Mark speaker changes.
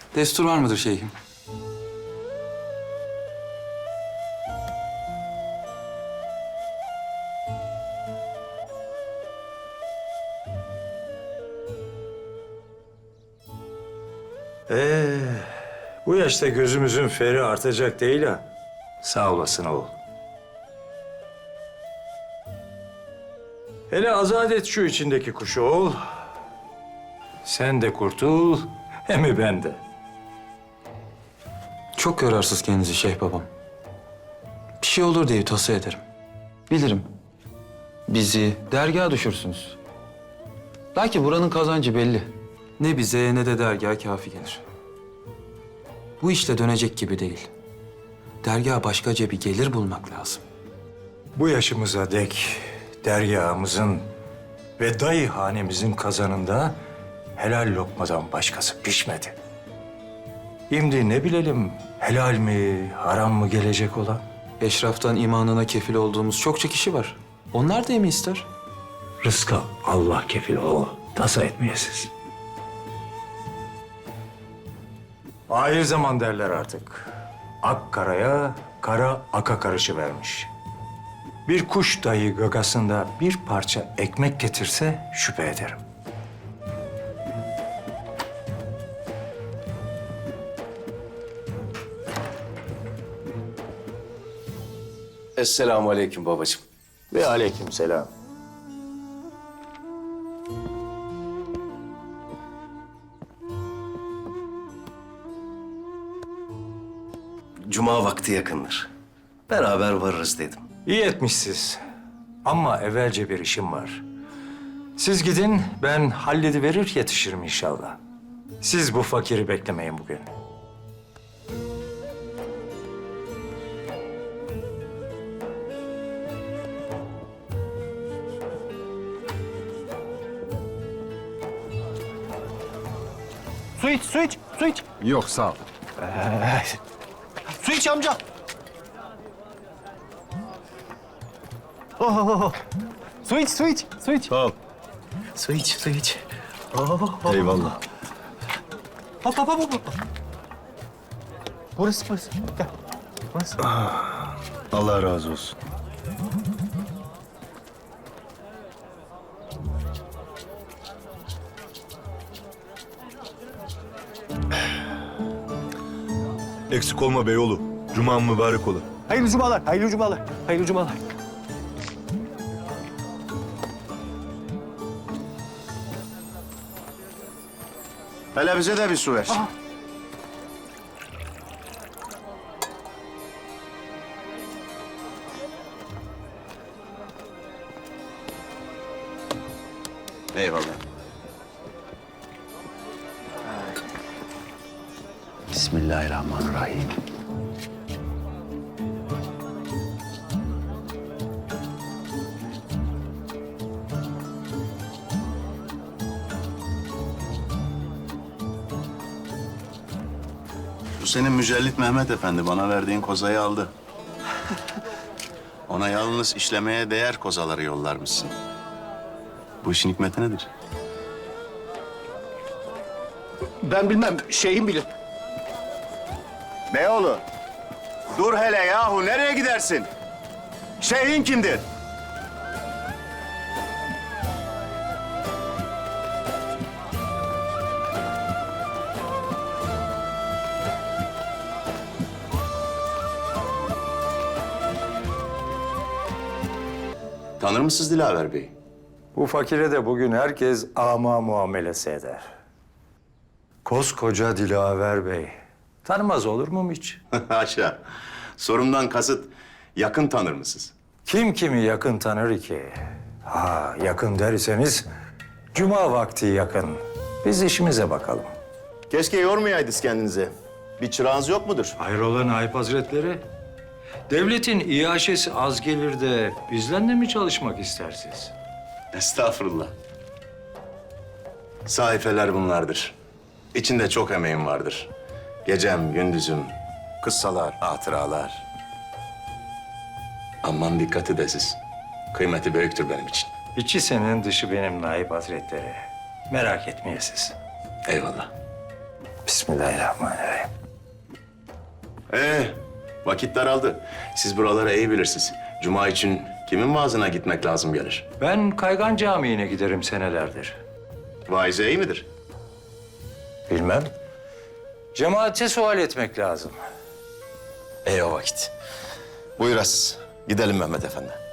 Speaker 1: Destur var mıdır şeyhim?
Speaker 2: Bu yaşta gözümüzün feri artacak değil ha. Sağ olasın oğul. Hele azat et şu içindeki kuşu oğul. Sen de kurtul, hem ben de.
Speaker 1: Çok yorarsız kendinizi şeyh babam. Bir şey olur diye tavsiye ederim. Bilirim. Bizi dergaha düşürsünüz. Belki buranın kazancı belli. Ne bize ne de dergaha kafi gelir. Bu işle dönecek gibi değil. Dergaha başkaca bir gelir bulmak lazım.
Speaker 2: Bu yaşımıza dek dergahımızın ve dayı hanemizin kazanında helal lokmadan başkası pişmedi. Şimdi ne bilelim helal mi, haram mı gelecek olan?
Speaker 1: Eşraftan imanına kefil olduğumuz çokça kişi var. Onlar da mi ister?
Speaker 2: Rızka Allah kefil o, tasa etmeyesiz. Ahir zaman derler artık. Ak karaya, kara aka karışıvermiş. Bir kuş dahi gagasında bir parça ekmek getirse şüphe ederim.
Speaker 3: Esselamu aleyküm babacığım.
Speaker 2: Ve aleykümselam.
Speaker 3: Cuma vakti yakındır. Beraber varırız dedim.
Speaker 2: İyi etmişsiniz. Ama evvelce bir işim var. Siz gidin, ben hallediverir yetişirim inşallah. Siz bu fakiri beklemeyin bugün.
Speaker 4: Su iç, su iç, su iç.
Speaker 5: Yok sağ ol.
Speaker 4: Su iç amca. Oh. Su iç, su iç, su iç.
Speaker 5: Sağ ol.
Speaker 4: Su iç, su iç.
Speaker 5: Eyvallah.
Speaker 4: Hop. Burası. Gel. Burası.
Speaker 5: Allah razı olsun. Eksik olma beyoğlu. Cuman mübarek ola.
Speaker 4: Hayırlı cumalar, hayırlı cumalar, hayırlı cumalar.
Speaker 5: Hele bize de bir su ver.
Speaker 3: Eyvallah. Bismillahirrahmanirrahim.
Speaker 6: Bu senin Mücellit Mehmet Efendi bana verdiğin kozayı aldı. Ona yalnız işlemeye değer kozaları yollarmışsın. Bu işin hikmeti nedir?
Speaker 4: Ben bilmem, şeyim bilir.
Speaker 6: Beyoğlu, dur hele yahu nereye gidersin? Şeyhin kimdir? Tanır mısınız Dilaver Bey?
Speaker 2: Bu fakire de bugün herkes ama muamelesi eder. Koskoca Dilaver Bey. Tanımaz olur muyum hiç?
Speaker 6: Haşa. Sorumdan kasıt yakın tanır mısınız?
Speaker 2: Kim kimi yakın tanır ki? Ha, yakın derseniz cuma vakti yakın. Biz işimize bakalım.
Speaker 6: Keşke yormayaydınız kendinizi. Bir çırağınız yok mudur?
Speaker 2: Hayrola Naip Hazretleri? Devletin iaşesi az gelir de bizden de mi çalışmak istersiniz?
Speaker 6: Estağfurullah. Sahifeler bunlardır. İçinde çok emeğim vardır. Gecem, gündüzüm, kıssalar, hatıralar. Aman dikkat edesiz. Kıymeti büyüktür benim için.
Speaker 2: İçi senin, dışı benim Naip Hazretleri. Merak etmeyesiz.
Speaker 6: Eyvallah.
Speaker 2: Bismillahirrahmanirrahim.
Speaker 6: Vakit daraldı. Siz buraları iyi bilirsiniz. Cuma için kimin vaazına gitmek lazım gelir?
Speaker 2: Ben Kaygan Camii'ne giderim senelerdir.
Speaker 6: Vaize iyi midir?
Speaker 2: Bilmem. Cemaate sual etmek lazım.
Speaker 6: O vakit. Buyur Aziz. Gidelim Mehmet Efendi.